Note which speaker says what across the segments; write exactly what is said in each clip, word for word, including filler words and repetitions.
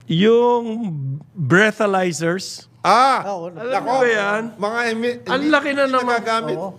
Speaker 1: yung breathalyzers.
Speaker 2: Ah!
Speaker 3: Ah, oo.
Speaker 1: Alam mo ba yan?
Speaker 2: Mga emi-
Speaker 1: Ang laki na naman.
Speaker 2: nagagamit.
Speaker 3: Oo.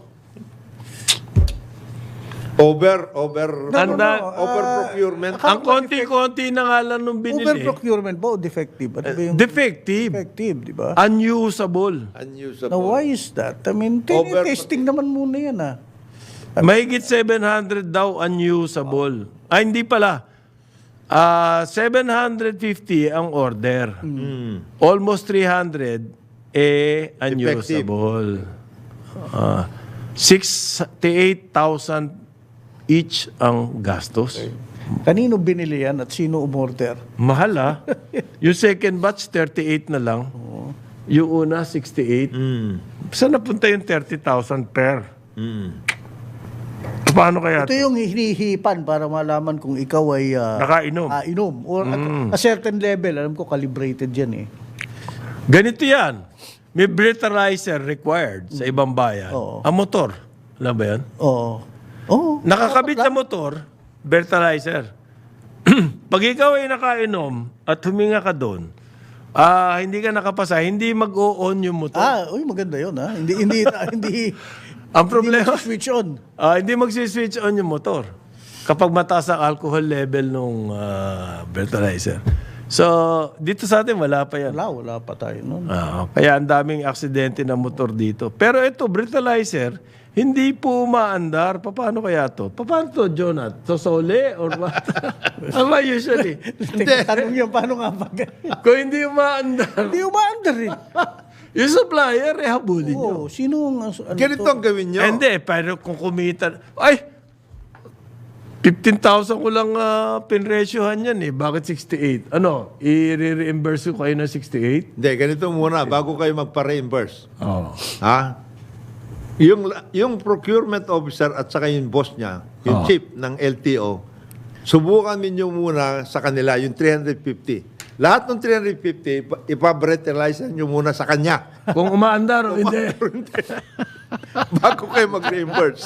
Speaker 2: Over, over,
Speaker 1: Ano na?
Speaker 2: over procurement.
Speaker 1: Ang konti-konti na nga lang nung binili.
Speaker 3: Over-procurement ba o defective? Ano ba yung
Speaker 1: Defective.
Speaker 3: defective, di ba?
Speaker 1: Unusable.
Speaker 2: Unusable.
Speaker 3: Now, why is that? I mean,
Speaker 2: Over-
Speaker 3: testing naman muna yan, ah.
Speaker 1: Mahigit seven hundred daw unusable. Ah, hindi pala. Ah, seven hundred fifty ang order. Almost three hundred eh unusable. Ah, sixty-eight thousand each ang gastos.
Speaker 3: Kanino binili yan at sino umorder?
Speaker 1: Mahal ah. Yung second batch, thirty-eight na lang. Yung una, sixty-eight.
Speaker 2: Mm.
Speaker 1: Saan napunta yung thirty thousand per? Paano kaya?
Speaker 3: Ito yung hinihipan para malaman kung ikaw ay ah,
Speaker 1: Nakainom.
Speaker 3: ah, inom. Or at a certain level, alam ko calibrated yan eh.
Speaker 1: Ganito yan. May breathalyzer required sa ibang bayan.
Speaker 3: Oo.
Speaker 1: Ang motor. Alam ba yan?
Speaker 3: Oo. Oo.
Speaker 1: Nakakabit sa motor, breathalyzer. Pag ikaw ay nakainom at huminga ka doon, ah hindi ka nakapasa, hindi mag-o-on yung motor.
Speaker 3: Ah, uy, maganda yun, ha? Hindi, hindi, hindi,
Speaker 1: Ang problema,
Speaker 3: hindi switch on.
Speaker 1: ah, hindi mag-switch on yung motor kapag mataas ang alcohol level nung ah, breathalyzer. So, dito sa atin, wala pa yan.
Speaker 3: Wala, wala pa tayo nun.
Speaker 1: Ah, kaya ang daming aksidente ng motor dito. Pero ito, breathalyzer, hindi po umaandar. Paano kaya to? Paano to, Jonat? Sosole or what? Ano ba usually?
Speaker 3: Teka, tanong yan, paano nga pag...
Speaker 1: Kung hindi umaandar,
Speaker 3: Hindi umaandar rin.
Speaker 1: yung supplier, eh, habulin nyo.
Speaker 3: Oo, sino ang... Ano
Speaker 2: Ganito
Speaker 3: to?
Speaker 2: ang gawin nyo.
Speaker 1: Eh, Hindi, pero kung kumita... Ay! fifteen thousand ko lang uh, pinresyohan yan eh. Bakit sixty-eight? Ano? I-reimburse ko kayo ng sixty-eight?
Speaker 2: Hindi, ganito muna, bago kayo magpa-reimburse.
Speaker 1: Oo.
Speaker 2: Ha? Yung, yung procurement officer at saka yung boss niya, yung
Speaker 1: Oh.
Speaker 2: chief ng L T O, subukan ninyo muna sa kanila yung three hundred fifty. Lahat ng three hundred fifty, ipa- ipa-breathalyze nyo muna sa kanya.
Speaker 1: Kung umaandar o hindi.
Speaker 2: Bago kayo mag-reimburse.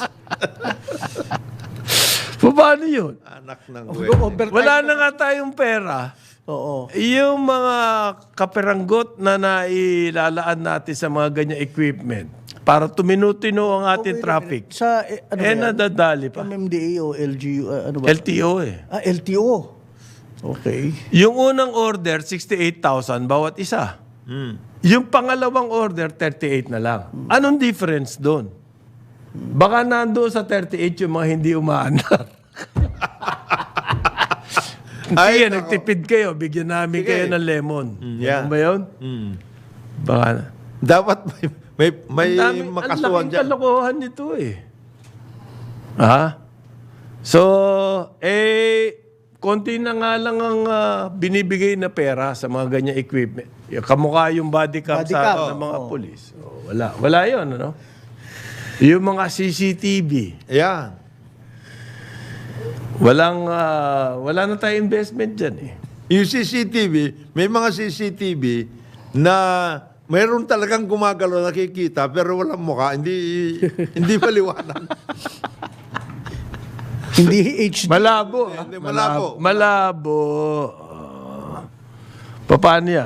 Speaker 1: Paano yun?
Speaker 2: Anak ng
Speaker 3: Overtime.
Speaker 1: Wala na nga tayong pera.
Speaker 3: Oo.
Speaker 1: Yung mga kaperanggot na nailalaan natin sa mga ganyang equipment para tuminutino ang ating traffic.
Speaker 3: Sa, eh, ano
Speaker 1: Eh,
Speaker 3: ba yan?
Speaker 1: nadadali pa.
Speaker 3: M M D A o L G U, ah, ano ba?
Speaker 1: L T O eh.
Speaker 3: ah, L T O. Okay.
Speaker 1: Yung unang order, sixty-eight thousand bawat isa. Yung pangalawang order, thirty-eight na lang. Anong difference doon? Baka nandoon sa thirty-eight yung mga hindi umaandar.
Speaker 2: Ay,
Speaker 1: Sige,
Speaker 2: nako.
Speaker 1: nagtipid kayo. Bigyan namin
Speaker 2: Sige.
Speaker 1: kayo ng lemon.
Speaker 2: yeah.
Speaker 1: Ano ba yun? Baka na.
Speaker 2: Dapat may, may, may
Speaker 1: Ang daming-
Speaker 2: makasuhan
Speaker 1: Ang laking
Speaker 2: dyan.
Speaker 1: kalokohan nito eh. Ha? So, eh, konti na nga lang ang ah, binibigay na pera sa mga ganyang equipment. Yung kamukha yung body cam
Speaker 3: Body
Speaker 1: sa
Speaker 3: cam,
Speaker 1: ng mga
Speaker 3: oo.
Speaker 1: polis. Oh, wala. Wala yun, ano? Yung mga C C T V.
Speaker 2: Yeah.
Speaker 1: Walang, ah, wala na tayong investment dyan eh.
Speaker 2: Yung C C T V, may mga C C T V na mayroon talagang gumagalaw, nakikita, pero walang mukha, hindi hindi maliwanag.
Speaker 3: Hindi H D.
Speaker 1: Malabo. ah.
Speaker 2: Hindi, malabo.
Speaker 1: Malabo. Ah. paano yan?